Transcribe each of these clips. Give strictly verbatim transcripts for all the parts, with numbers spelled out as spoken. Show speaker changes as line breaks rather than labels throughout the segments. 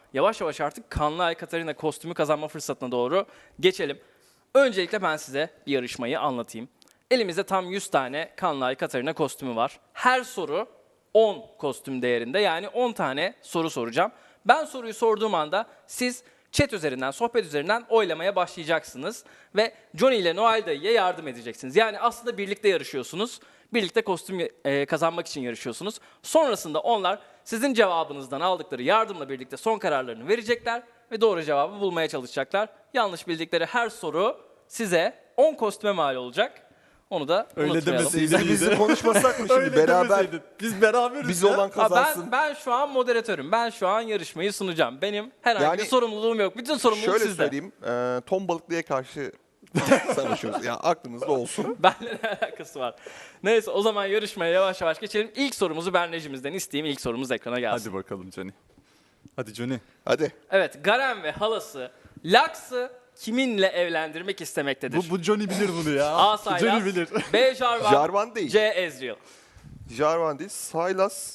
yavaş yavaş artık Kanlı Ay Katarina kostümü kazanma fırsatına doğru geçelim. Öncelikle ben size bir yarışmayı anlatayım. Elimizde tam yüz tane Kanlı Ay Katarina kostümü var. Her soru on kostüm değerinde, yani on tane soru soracağım. Ben soruyu sorduğum anda siz chat üzerinden, sohbet üzerinden oylamaya başlayacaksınız. Ve Johnny ile Noel dayıya yardım edeceksiniz. Yani aslında birlikte yarışıyorsunuz. Birlikte kostüm e, kazanmak için yarışıyorsunuz. Sonrasında onlar sizin cevabınızdan aldıkları yardımla birlikte son kararlarını verecekler ve doğru cevabı bulmaya çalışacaklar. Yanlış bildikleri her soru size on kostüme mal olacak. Onu da
Öyle
unutmayalım.
demeseydin.
Biz, bizi konuşmasak mı şimdi
Öyle
beraber
demeseydin. Biz beraberiz
biz
ya.
olan
Ha,
kazansın.
ben, ben şu an moderatörüm. Ben şu an yarışmayı sunacağım. Benim herhangi
Yani
bir sorumluluğum yok. Bütün sorumluluk
Şöyle
sizde.
söyleyeyim, e, ton balıklıya karşı savaşıyoruz. Yani aklınızda olsun.
Benle ne alakası var? Neyse, o zaman yarışmaya yavaş yavaş geçelim. İlk sorumuzu Berneciğimizden isteyeyim. İlk sorumuz ekrana gelsin.
Hadi bakalım Johnny. Hadi Johnny.
Hadi.
Evet, Garen ve halası Lux'ı kiminle evlendirmek istemektedir?
Bu, bu Johnny bilir bunu ya.
A. Sylas,
Johnny bilir.
B. Jarvan,
Jarvan değil.
C. Ezreal.
Jarvan değil, Sylas.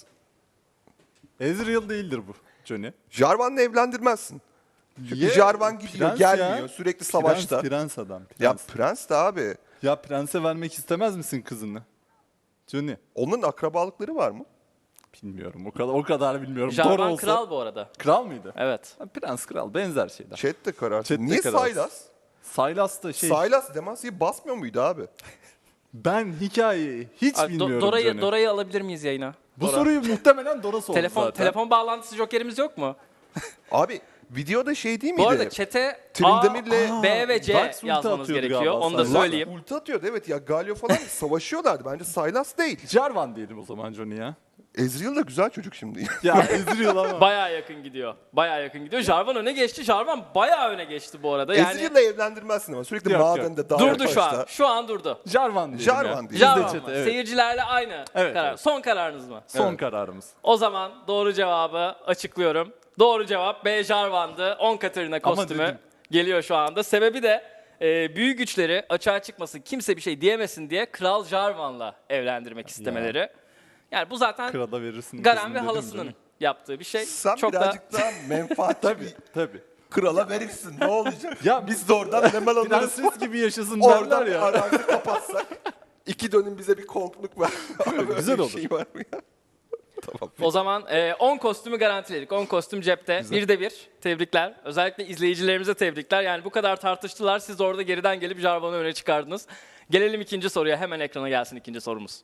Ezreal değildir bu Johnny.
Jarvan'la evlendirmezsin. Çünkü
Ye-
Jarvan gidiyor,
Prens
gelmiyor,
ya.
sürekli savaşta.
Prens, prens adam. Prens.
Ya prens de abi.
Ya prense vermek istemez misin kızını? Johnny.
Onun akrabalıkları var mı?
Bilmiyorum. O kadar o kadar bilmiyorum. Doğru
Jarvan
olsa.
kral bu arada.
Kral mıydı?
Evet.
Ha, prens kral benzer şeyler.
Chat de kararsın.
Chat de
Niye
kararsın.
Sylas?
Sylas da şey.
Sylas Demacia'yı basmıyor muydu abi?
Ben hikayeyi hiç
Ay, Do-
bilmiyorum
Dora'yı
Johnny.
Dora'yı alabilir miyiz yayına?
Bu
Dora.
soruyu muhtemelen Dora sordu
Telefon
zaten.
telefon bağlantısı jokerimiz yok mu?
Abi videoda şey değil miydi?
Bu arada chat'e
Trindamir'le-
A, B ve C
Dark ulti
yazmanız
atıyordu
gerekiyor.
galiba
Onu da
Sylas.
söyleyeyim.
Ulti atıyordu evet ya, Galio falan savaşıyorlardı. Bence Sylas değil.
Jarvan diyelim o zaman Johnny ya.
Ezreal da güzel çocuk şimdi.
Ya Ezreal ama.
Bayağı yakın gidiyor. Bayağı yakın gidiyor. Jarvan öne geçti. Jarvan bayağı öne geçti bu arada. Yani
Ezreal'la evlendirmezsin ama sürekli
Yok, yok.
madende dağ
durdu şu
taşta.
an. Şu an durdu.
Jarvan diyelim
Jarvan
ya.
diyelim.
Biz de
Jarvan
chat'e,
mı?
evet.
Seyircilerle aynı
Evet,
karar.
evet.
Son kararınız mı?
Son
Evet.
kararımız.
O zaman doğru cevabı açıklıyorum. Doğru cevap B. Jarvan'dı. on Katarina
Ama
kostümü
dedim.
geliyor şu anda. Sebebi de e, büyü güçleri açığa çıkmasın, kimse bir şey diyemesin diye Kral Jarvan'la evlendirmek istemeleri. Yani bu zaten
Krala verirsin.
Garen
kızını
ve
dedim
halasının
Johnny.
yaptığı bir şey.
Sen
Çok da
birazcık daha menfaatçi
Tabii
bir
tabii.
krala verirsin. Ne olacak?
Ya
Biz de oradan hemen alırız.
Prenses gibi yaşasın derler
Oradan
ya.
arazi kapatsak. İki dönüm bize bir konkluk ver. Böyle
Güzel
bir
olur.
Şey var mı ya? Tamam.
o zaman e, on kostümü garantiledik. on kostüm cepte. Bir de bir. Tebrikler. Özellikle izleyicilerimize tebrikler. Yani bu kadar tartıştılar. Siz orada geriden gelip Jarvan'ı öne çıkardınız. Gelelim ikinci soruya. Hemen ekrana gelsin ikinci sorumuz.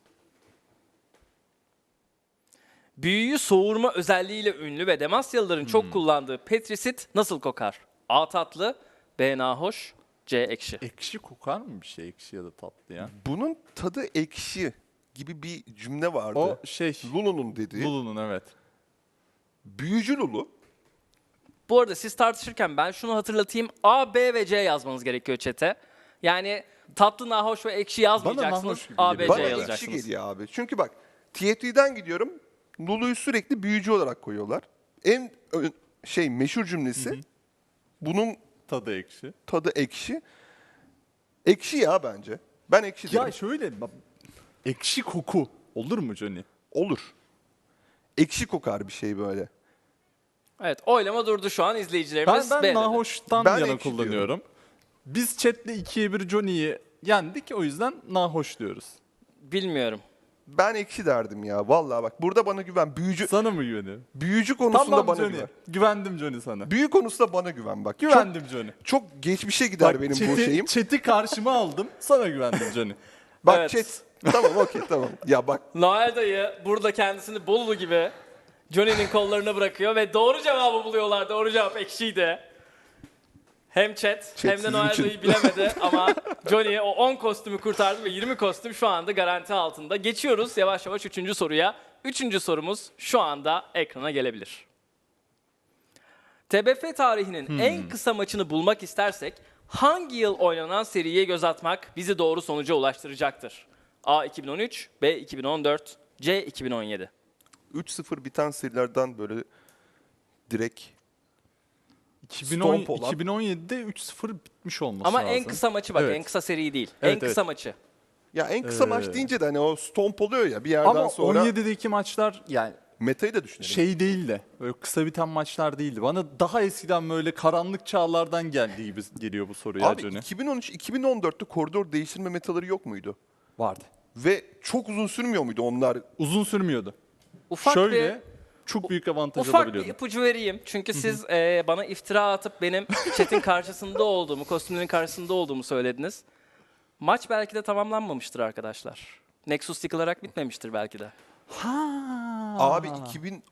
Büyüyü soğurma özelliğiyle ünlü ve Demasyalıların çok kullandığı petrisit nasıl kokar? A. Tatlı, B. Nahoş, C. Ekşi.
Ekşi kokar mı bir şey ekşi ya da tatlı ya?
Bunun tadı ekşi gibi bir cümle vardı.
O şey.
Lulu'nun dediği.
Lulu'nun evet.
Büyücü Lulu.
Bu arada siz tartışırken ben şunu hatırlatayım. A, B ve C yazmanız gerekiyor chat'e. Yani tatlı, nahoş ve ekşi yazmayacaksınız.
nahoş gibi
A, B,
geliyor.
C
Bana
yazacaksınız.
ekşi geliyor abi. Çünkü bak T F T'den gidiyorum. Lulu'yu sürekli büyücü olarak koyuyorlar. En ö- şey meşhur cümlesi bunun
Tadı ekşi.
tadı ekşi. Ekşi ya bence. Ben ekşi
Ya
derim.
şöyle bak, ekşi koku olur mu Johnny?
Olur. Ekşi kokar bir şey böyle.
Evet, oylama durdu şu an,
Ben,
izleyicilerimiz
ben
B dedi.
nahoştan
Ben
yana
ekşi
kullanıyorum. Biz chatle ikiye bir Johnny'yi yendik o yüzden nahoş diyoruz.
Bilmiyorum.
Ben ekşi derdim ya. Vallahi bak burada bana güven. Büyücü
Sana mı güveniyorum?
büyücü konusunda
Tamam
bana
Johnny.
güven.
Güvendim Johnny sana.
Büyü konusunda bana güven bak.
Güvendim Johnny.
Çok, çok geçmişe gider benim bu
chat'i-
şeyim.
Chat'i karşıma aldım. Sana güvendim Johnny.
Bak
Evet.
chat. Tamam okey tamam. Ya bak
Noel dayı burada kendisini Bolulu gibi Johnny'nin kollarına bırakıyor ve doğru cevabı buluyorlar. Doğru cevap ekşiydi. Hem chat,
Chat
hem de
sizin
Noel
için.
dayı bilemedi ama Johnny o on kostümü kurtardı ve yirmi kostüm şu anda garanti altında. Geçiyoruz yavaş yavaş üçüncü soruya. Üçüncü sorumuz şu anda ekrana gelebilir. T B F tarihinin
Hmm.
en kısa maçını bulmak istersek hangi yıl oynanan seriye göz atmak bizi doğru sonuca ulaştıracaktır? A iki bin on üç, B iki bin on dört, C iki bin on yedi.
üç sıfır biten serilerden böyle direkt
iki bin on,
Stomp olan.
iki bin on yedide üç sıfır bitmiş olması
Ama
lazım.
en kısa maçı bak,
Evet.
en kısa seri değil.
Evet,
en kısa
evet.
maçı.
ya en kısa maç
Ee,
deyince de hani o stomp oluyor ya bir yerden
Ama
sonra.
on yedideki maçlar yani
Metayı da düşünelim.
Şey değil de böyle kısa biten maçlar değildi. Bana daha eskiden böyle karanlık çağlardan geldiği gibi geliyor bu soru ya
Abi
Johnny.
iki bin on üç iki bin on dörtte koridor değiştirme metaları yok muydu?
Vardı.
Ve çok uzun sürmüyor muydu onlar?
Uzun sürmüyordu.
Ufak
Şöyle
bir
çok büyük avantaj
ufak bir
alabiliyordun.
ipucu vereyim. Çünkü siz e, bana iftira atıp benim chat'in karşısında olduğumu, kostümlerin karşısında olduğumu söylediniz. Maç belki de tamamlanmamıştır arkadaşlar. Nexus yıkılarak bitmemiştir belki de.
Ha.
Abi iki bin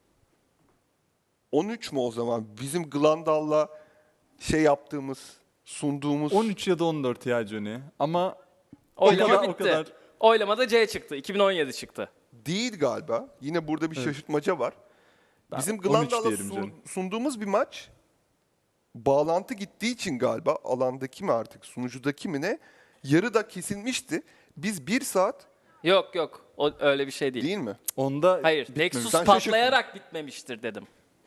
on üç mü o zaman? Bizim Glandal'la şey yaptığımız, sunduğumuz...
on üç ya da on dört ya Johnny. Ama
Oylama
kadar- o
bitti.
kadar.
Oylamada C çıktı. iki bin on yedi çıktı.
Değil galiba. Yine burada bir şaşırtmaca var.
Ben
Bizim
on üç
Glandal'la
diyelim
sun-
canım.
sunduğumuz bir maç bağlantı gittiği için galiba alandaki mi artık sunucudaki mi ne yarıda kesilmişti. Biz bir saat
Yok yok. O öyle bir şey değil.
değil mi?
Onda
Hayır.
bitmemiş.
Nexus
Sen
patlayarak bitmemiştir dedim.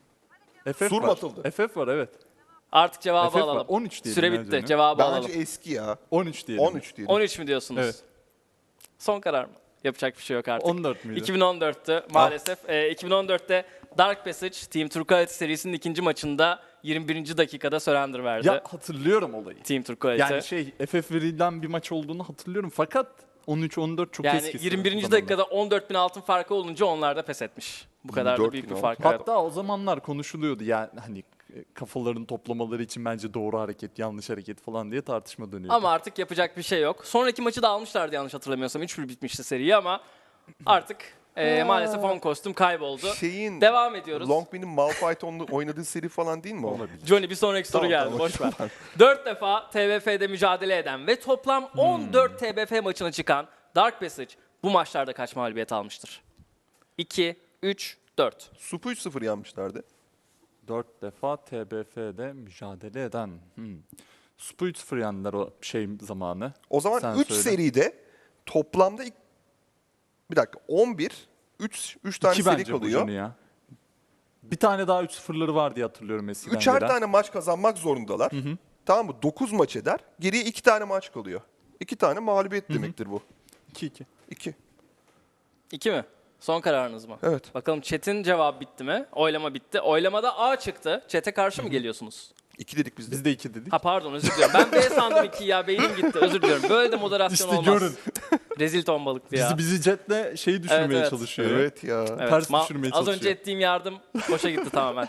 F F
Sur mu
var.
atıldı?
F F var evet.
Artık cevabı
F F var.
alalım.
on üç diyelim
Süre
ya
bitti.
canım.
Cevabı
Bence
alalım.
eski ya.
on üç diyelim.
on üç diyelim.
on üç mü diyorsunuz?
Evet.
Son karar mı? Yapacak bir şey yok artık.
on dört müydü?
iki bin on dörttü maalesef. Ee, iki bin on dörtte Dark Passage Team Turquoise serisinin ikinci maçında yirmi birinci dakikada surrender verdi.
Ya hatırlıyorum olayı.
Team Turquoise.
Yani şey F F verilen bir maç olduğunu hatırlıyorum fakat on üç on dört çok
yani
eski.
yirmi birinci
zamanlar.
dakikada on dört bin altın farkı olunca onlar da pes etmiş. Bu kadar da
yirmi dört
büyük
bin
bir fark.
altın.
Evet.
Hatta o zamanlar konuşuluyordu yani hani e, kafalarını toplamaları için bence doğru hareket, yanlış hareket falan diye tartışma dönüyordu.
Ama artık yapacak bir şey yok. Sonraki maçı da almışlardı yanlış hatırlamıyorsam. üç bir bitmişti seriyi ama artık e, maalesef on kostüm kayboldu.
Şeyin
Devam ediyoruz.
Longmin'in Malphite onlu- oynadığı seri falan değil mi o?
olabilir.
Johnny bir sonraki soru
Tamam,
geldi.
tamam,
Boş ver.
tamam.
dört defa T B F'de mücadele eden ve toplam
Hmm.
on dört T B F maçına çıkan Dark Passage bu maçlarda kaç mağlubiyet almıştır? iki, üç, dört.
Supu üç sıfır yanmışlardı.
dört defa T B F'de mücadele eden. Hmm. Spu üç sıfır yendiler o şey zamanı.
O zaman
Sen
üç
söyle.
seride toplamda ilk- bir dakika on bir üç üç tane
İki
seri
bence bu
kalıyor.
Johnny ya. Bir tane daha üç sıfırları var diye hatırlıyorum eskiden.
Üçer
gelen.
tane maç kazanmak zorundalar. Tamam mı? dokuz maç eder. Geriye iki tane maç kalıyor. iki tane mağlubiyet demektir bu.
iki iki.
iki.
İki mi? Son kararınız mı?
Evet.
Bakalım chat'in cevabı bitti mi? Oylama bitti. Oylamada A çıktı. Chat'e karşı mı geliyorsunuz?
iki dedik biz de.
Biz de iki dedik.
Ha pardon özür diliyorum. Ben B sandım iki ya. Beynim gitti. Özür diliyorum. Böyle de moderasyon
İşte
olmaz.
görün.
Rezil ton balıktı ya.
Bizi bizi jetle şeyi düşürmeye
Evet, evet.
çalışıyor.
Evet ya.
Evet,
ters
ma-
düşürmeye
Az önce
çalışıyor.
ettiğim yardım boşa gitti tamamen.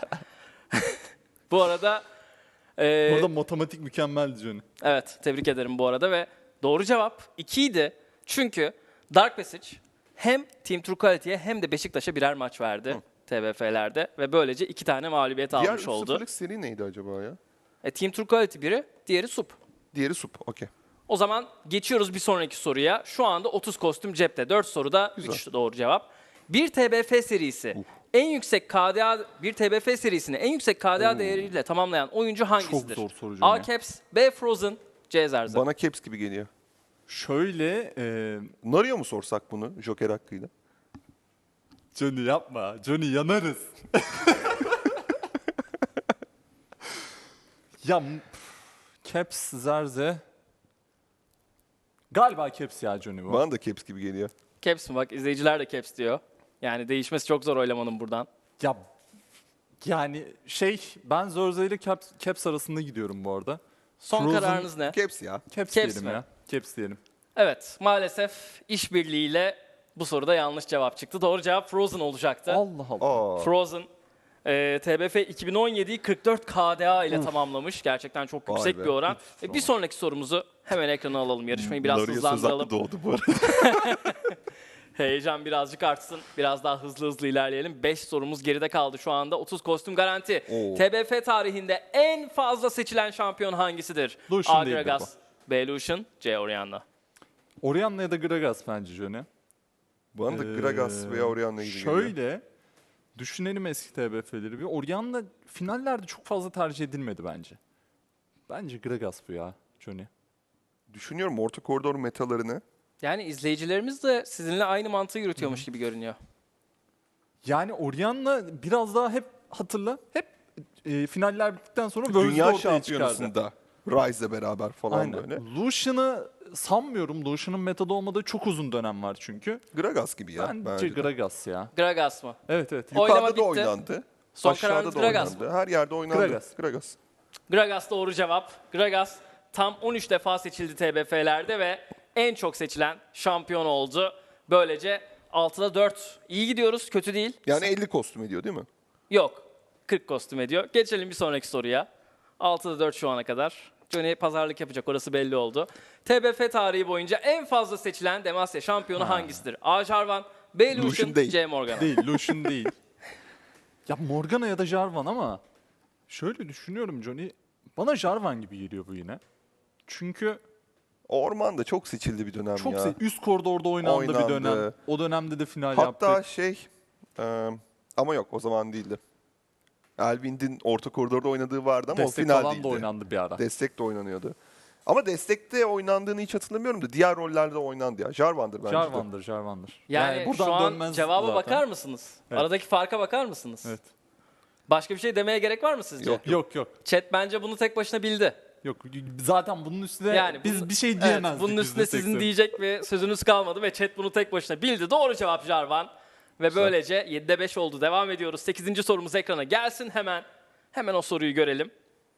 Bu arada e,
Burada matematik mükemmeldi Johnny.
evet tebrik ederim bu arada ve doğru cevap iki idi. Çünkü Dark Passage hem Team Turquoise'ye hem de Beşiktaş'a birer maç verdi T B F'lerde ve böylece iki tane mağlubiyet
Diğer
almış
üç
oldu.
sıfırlık seri neydi acaba ya?
E, Team Turquoise biri, diğeri Sup.
Diğeri Sup. Okey.
O zaman geçiyoruz bir sonraki soruya. Şu anda otuz kostüm cepte. dört soruda
Güzel.
üç doğru cevap. Bir T B F serisi en yüksek K D A bir T B F serisini en yüksek K D A değeriyle tamamlayan oyuncu hangisidir?
zor soru
A.
Johnny.
Caps, B. Frozen, C. Zerza.
Bana Caps gibi geliyor.
Şöyle e,
Nario mu sorsak bunu Joker hakkıyla?
Johnny yapma. Johnny yanarız. ya m- pf, Caps Zerze. Galiba Caps ya Johnny bu.
Bana da Caps gibi geliyor.
Caps mi? Bak izleyiciler de Caps diyor. Yani değişmesi çok zor oylamanın buradan.
Ya yani şey ben Zerze ile Caps, Caps arasında gidiyorum bu arada.
Son
Frozen-
kararınız ne?
Caps ya.
Caps,
Caps
diyelim
mi?
ya. Caps diyelim.
Evet maalesef işbirliğiyle bu soruda yanlış cevap çıktı. Doğru cevap Frozen olacaktı.
Allah Allah.
Aa.
Frozen e, T B F iki bin on yediyi kırk dört K D A ile tamamlamış. Gerçekten çok
Vay
yüksek
be.
bir oran.
Üf,
E, bir sonraki sorumuzu hemen ekrana alalım. Yarışmayı biraz
Nario söz hakkı
hızlandıralım.
doğdu bu arada.
Heyecan birazcık artsın. Biraz daha hızlı hızlı ilerleyelim. beş sorumuz geride kaldı şu anda. otuz kostüm garanti.
Oo.
T B F tarihinde en fazla seçilen şampiyon hangisidir?
Lucian
A.
değildir
Gragas, B. Lucian, C. Orianna.
Orianna ya da Gragas bence Johnny.
Bana da
Ee,
Gragas veya Orianna gibi geliyor.
Şöyle düşünelim eski T B F'leri bir. Orianna finallerde çok fazla tercih edilmedi bence. Bence Gragas bu ya Johnny.
Düşünüyorum orta koridor metalarını.
Yani izleyicilerimiz de sizinle aynı mantığı yürütüyormuş gibi görünüyor.
Yani Orianna biraz daha hep hatırla hep e, finaller bittikten sonra Worlds'de
Dünya
ortaya çıkardı.
şampiyonasında Rise'le beraber falan
Aynen.
böyle.
Lucian'ı sanmıyorum. Lucian'ın metodu olmadığı çok uzun dönem var çünkü.
Gragas gibi ya.
Bence
bence de.
Gragas ya.
Gragas mı?
Evet evet.
Oynama
Yukarıda da
bitti.
oynandı.
Son
Aşağıda
kararınız
da
Gragas
oynandı. Her yerde oynandı.
Gragas.
Gragas.
Gragas doğru cevap. Gragas tam on üç defa seçildi T B F'lerde ve en çok seçilen şampiyon oldu. Böylece altıda dört. İyi gidiyoruz, kötü değil.
Yani elli kostüm ediyor değil mi?
Yok, kırk kostüm ediyor. Geçelim bir sonraki soruya. altıda dört şu ana kadar. Johnny pazarlık yapacak, orası belli oldu. T B F tarihi boyunca en fazla seçilen Demacia şampiyonu hangisidir? A. Jarvan, B. Lucian,
Lucian değil.
C. Morgana.
Değil, Lucian değil. Ya Morgana ya da Jarvan ama şöyle düşünüyorum Johnny. Bana Jarvan gibi geliyor bu yine. Çünkü
Ormanda çok seçildi bir dönem
çok
ya.
se- üst koridorda oynandı, bir
Oynandı.
dönem. O dönemde de final
Hatta
yaptık.
şey e, ama yok o zaman değildi. Elvind'in orta koridorda oynadığı vardı ama
Destek
o final
falan
değildi.
da oynandı bir ara.
Destek de oynanıyordu. Ama destekte oynandığını hiç hatırlamıyorum da diğer rollerde oynandı ya. Jarvan'dır bence de.
Jarvan'dır, Jarvan'dır.
Yani,
buradan
şu an
dönmez
cevaba
zaten.
bakar mısınız?
Evet.
Aradaki farka bakar mısınız?
Evet.
Başka bir şey demeye gerek var mı sizce?
Yok.
Yok yok.
Chat bence bunu tek başına bildi.
Yok zaten bunun üstüne
Yani
biz
bunun-
bir şey
Evet,
diyemezdik.
bunun üstüne
yüzde
sizin
seksen.
diyecek bir sözünüz kalmadı ve chat bunu tek başına bildi. Doğru cevap Jarvan. Ve böylece yedide beş oldu. Devam ediyoruz. sekizinci sorumuz ekrana gelsin. Hemen hemen o soruyu görelim.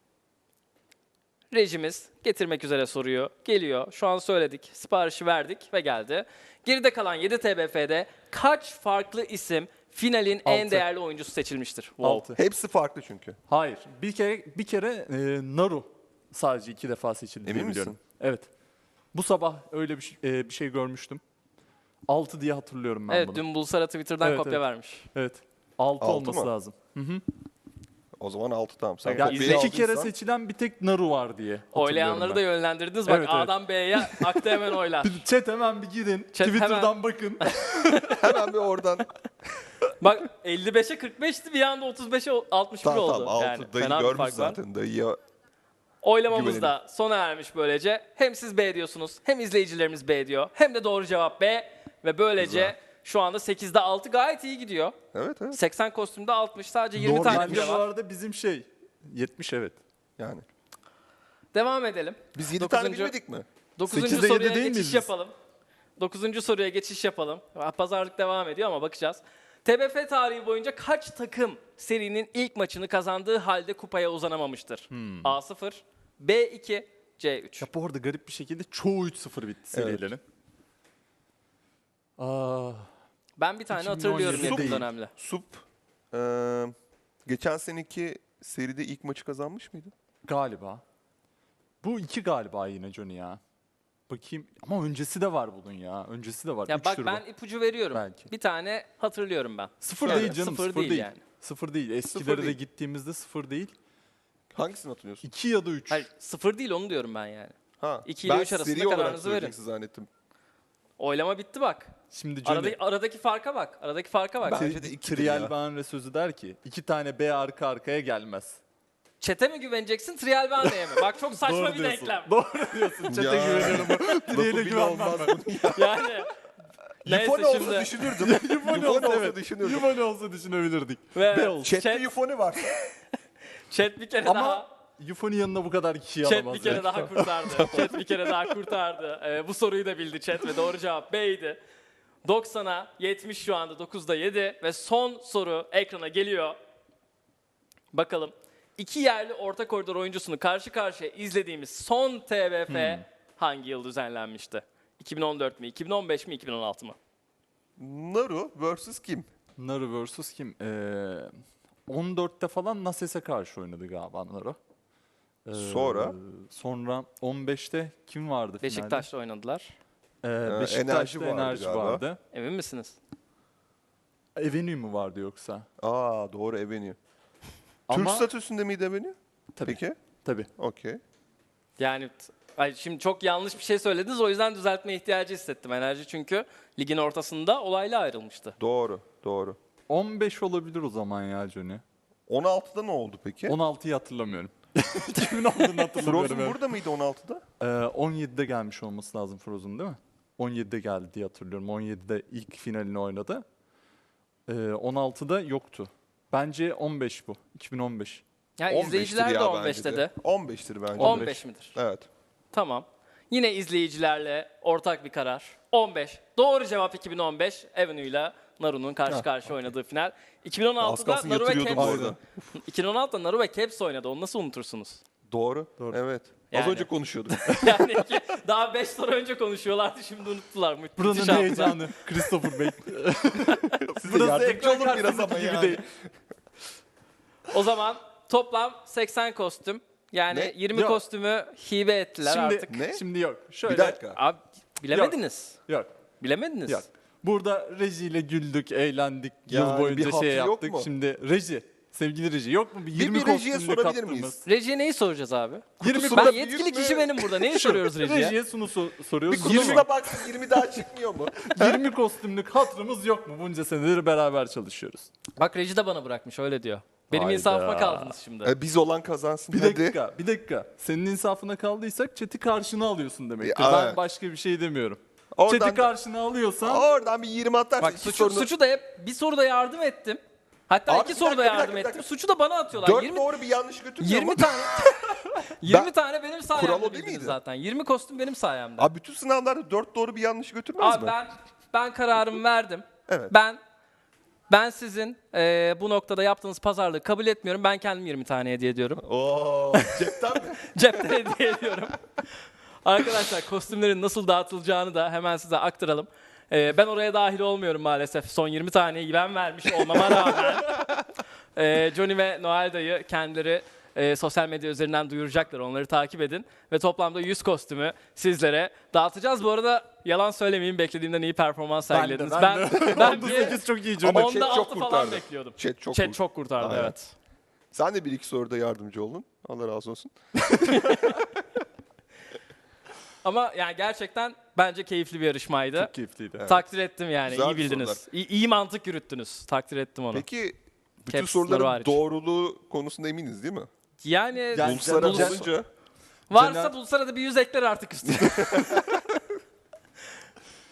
Rejimiz getirmek üzere soruyu geliyor. Şu an söyledik, siparişi verdik ve geldi. Geride kalan yedi T B F'de kaç farklı isim finalin en
Altı.
değerli oyuncusu seçilmiştir? Wow.
Altı.
Hepsi farklı çünkü.
Hayır. Bir kere bir kere e, Naru sadece iki defa seçildi
Emin
diye
misin?
biliyorum. Evet. Bu sabah öyle bir, şey- e, bir şey görmüştüm. altı diye hatırlıyorum ben
Evet,
bunu.
dün Bulsara Twitter'dan
Evet,
kopya
evet.
vermiş.
Evet. altı
Altı
olması
mı?
lazım. Hı hı.
O zaman altı tamam. Sen
Ya
kopyayı
iki kere
aldıysan-
seçilen bir tek Naru var diye hatırlıyorum
Oylayanları
ben.
da yönlendirdiniz. Bak
Evet, evet.
A'dan B'ye aktı hemen oylar.
Bir Chat hemen bir girin.
Chat
Twitter'dan
hemen.
bakın.
Hemen bir oradan.
Bak elli beşe kırk beşti, bir anda otuz beşe altmış bir
tamam
oldu.
tamam altı
Yani
dayı
fena bir
görmüş
fark var.
zaten. Dayıya
Oylamamız
Güvenelim.
da sona ermiş böylece. Hem siz B diyorsunuz, hem izleyicilerimiz B diyor. Hem de doğru cevap B. Ve böylece
Güzel.
şu anda sekizde altı gayet iyi gidiyor.
evet evet
seksen kostümde altmış, sadece yirmi tane
Normalde
bile
bu
var.
arada bizim şey yetmiş evet.
yani.
Devam edelim.
Biz yedi tane
Dokuzuncu-
bilmedik mi?
Dokuzuncu
sekizde
soruya
yedi değil
geçiş
miyiz biz?
yapalım. Dokuzuncu soruya geçiş yapalım. Pazarlık devam ediyor ama bakacağız. T B F tarihi boyunca kaç takım serinin ilk maçını kazandığı halde kupaya uzanamamıştır?
Hmm.
A sıfır, B iki, C üç.
Ya bu arada garip bir şekilde çoğu üç sıfır bitti
Evet.
serilerin. Aa,
Ben bir tane
iki bin on
hatırlıyorum
yedi
yakın
değil.
dönemde.
Sup eee, geçen seneki seride ilk maçı kazanmış mıydı?
galiba. Bu iki galiba yine Johnny ya. Bakayım ama öncesi de var bunun ya. Öncesi de var.
Ya
Üçtür
bak
bu.
ben ipucu veriyorum.
Belki.
Bir tane hatırlıyorum ben.
Sıfır
Şöyle,
değil canım.
sıfır
Sıfır,
değil
değil.
yani.
Sıfır değil. Eskilere
Sıfır
de
değil.
gittiğimizde sıfır değil.
Hangisini hatırlıyorsun?
İki ya da üç.
Hayır, sıfır değil, onu diyorum ben yani.
Ha.
iki ile
ben
üç arasında
seri olarak
kararınızı verin.
söyleyeceksin zannettim.
Oylama bitti bak.
Şimdi Johnny.
Aradaki, aradaki farka bak. Aradaki farka bak.
Bence de ikidir
Trial
ya.
Banre sözü der ki iki tane B arka arkaya gelmez.
Çete mi güveneceksin, Trial Bande'ye mi? Bak çok saçma
Doğru
bir
diyorsun.
denklem.
Doğru diyorsun. Çete
Ya.
güveniyorum.
Lafı
Trial'e
bile
güvenmem
olmaz
ben.
bunun ya.
Yani neyse
Yufone olsa
şimdi.
düşünürdüm.
Yufone
Yufone
olsa
olsa
evet.
düşünürdüm.
Yufone olsa düşünebilirdik.
Ve
B olsun.
Chat'te
Chat,
Yufone var.
chat bir kere
Ama
daha
Yufo'nun yanına bu kadar kişiyi
chat
alamaz.
bir kere
ya.
daha kurtardı. Chat bir kere daha kurtardı. Ee, bu soruyu da bildi chat ve doğru cevap B'ydi. doksana yetmiş şu anda, dokuzda yedi ve son soru ekrana geliyor. Bakalım. İki yerli orta koridor oyuncusunu karşı karşıya izlediğimiz son T B F hangi yıl düzenlenmişti? iki bin on dört mü, iki bin on beş mi, iki bin on altı mı?
Naru versus kim?
Naru versus kim? Ee, on dörtte falan Nases'e karşı oynadı galiba Naru. Ee,
Sonra?
Sonra on beşte kim vardı finalde?
Beşiktaş'ta oynadılar.
Ee,
Enerji
Beşiktaş'ta
vardı
enerji
galiba.
vardı.
Emin misiniz?
Avenue mu vardı yoksa?
Aa doğru Avenue.
Ama
Türk statüsünde miydi Avenue?
tabii,
Peki.
tabii.
Okey.
Yani t- ay şimdi çok yanlış bir şey söylediniz, o yüzden düzeltme ihtiyacı hissettim. Enerji çünkü ligin ortasında olayla ayrılmıştı.
Doğru. Doğru.
on beş olabilir o zaman ya Johnny.
on altıda ne oldu peki?
on altıyı hatırlamıyorum. Kimin olduğunu hatırlamıyorum.
Frozen
evet.
burada mıydı on altıda?
Ee, on yedide gelmiş olması lazım Frozen değil mi? on yedide geldi diye hatırlıyorum. on yedide ilk finalini oynadı. Ee, on altıda yoktu. Bence on beş bu. iki bin on beş.
Ya
on beştir
izleyiciler de
ya
on beş
bence de.
dedi.
on beştir bence.
on beş midir?
Evet.
Tamam. Yine izleyicilerle ortak bir karar. on beş. Doğru cevap iki bin on beş. Avenue ile Naru'nun karşı karşıya oynadığı final. iki bin on
Az
altıda
kalsın
Naru ve
yatırıyordum
Caps.
orada.
iki bin on altıda Naru ve Caps oynadı. Onu nasıl unutursunuz?
Doğru.
Doğru.
Evet.
Yani.
Az önce konuşuyorduk.
Yani ki daha beş soru önce konuşuyorlardı, şimdi unuttular. Mü- müthiş
Buranın
hafıza.
heyecanı. Christopher Bey.
Size
Burası
yardımcı
ekran
olun biraz
karşısındaki
ama
gibi
yani.
değil.
O zaman toplam seksen kostüm. Yani
Ne?
yirmi
Yok.
kostümü hibe ettiler
Şimdi,
artık.
Ne?
şimdi yok. Şöyle,
Bir dakika.
Abi bilemediniz.
Yok.
Bilemediniz.
Yok. Burada rejiyle güldük, eğlendik,
Yani
yıl boyunca
bir hatır
şey
yok
yaptık.
mu?
Şimdi reji, sevgili reji yok mu? Bir
Bir-
yirmi
bir rejiye
kostümlü
sorabilir
kattığımız.
miyiz?
Rejiye neyi soracağız abi?
yirmi
Kutusunda
Ben
büyük
yetkili
mü?
kişi benim burada. Neyi soruyoruz rejiye?
Rejiye sunu so-
Bir
soruyoruz.
kutusuna
yirmi,
baksın yirmi daha çıkmıyor mu?
yirmi kostümlük hatırımız yok mu? Bunca senedir beraber çalışıyoruz.
Bak reji de bana bırakmış, öyle diyor. Benim
Hayda.
insafıma kaldınız şimdi.
E, biz olan kazansın.
Bir
Hadi.
dakika, bir dakika. Senin insafına kaldıysak chat'i karşına alıyorsun demektir.
Ya,
Ben
evet.
başka bir şey demiyorum.
Oradan,
Chat'i karşına alıyorsan
oradan bir yirmi atarsın.
Bak
iki
suçu,
sorunu-
suçu da hep bir soruda yardım ettim. Hatta
Abi
iki
bir
soruda
dakika, bir
yardım
dakika, bir
ettim.
dakika.
Suçu da bana atıyorlar.
Dört
yirmi
doğru bir yanlış götürmüyor
yirmi
mu?
tane yirmi
Ben-
tane benim
Kural
sayemde
o değil
bildiniz
miydi?
zaten. yirmi kostüm benim sayemde.
Abi bütün sınavlarda dört doğru bir yanlış götürmez
Abi
mi?
ben ben kararımı verdim.
Evet.
Ben ben sizin eee, bu noktada yaptığınız pazarlığı kabul etmiyorum. Ben kendim yirmi tane hediye ediyorum.
Oo, cepten mi?
Cepten hediye ediyorum. Arkadaşlar kostümlerin nasıl dağıtılacağını da hemen size aktaralım. Ee, ben oraya dahil olmuyorum maalesef. Son yirmi taneyi ben vermiş olmama rağmen. Ee, Johnny ve Noel dayı kendileri e, sosyal medya üzerinden duyuracaklar. Onları takip edin. Ve toplamda yüz kostümü sizlere dağıtacağız. Bu arada yalan söylemeyeyim, beklediğimden iyi performans
ben de,
sergilediniz.
ben,
Ben,
de.
ben
Onda
bir
sekiz çok iyi
Ama
Johnny.
chat
onda
çok
altı falan
kurtardı.
bekliyordum.
Chat çok
Chat
vurdu.
çok kurtardı,
Aynen.
evet.
Sen de bir iki soruda yardımcı oldun. Allah razı olsun.
Ama yani gerçekten bence keyifli bir yarışmaydı.
Çok keyifliydi.
Takdir ettim yani.
Güzel
iyi
bir
bildiniz.
sorular.
İyi, iyi mantık yürüttünüz. Takdir ettim onu.
Peki bütün
Caps
soruların
hariç.
doğruluğu konusunda eminiz değil mi?
Yani
Yani
Uluslararası
Bulsara-
olunca
varsa
Caner-
Bulsar'a da bir yüz ekler artık üstüne.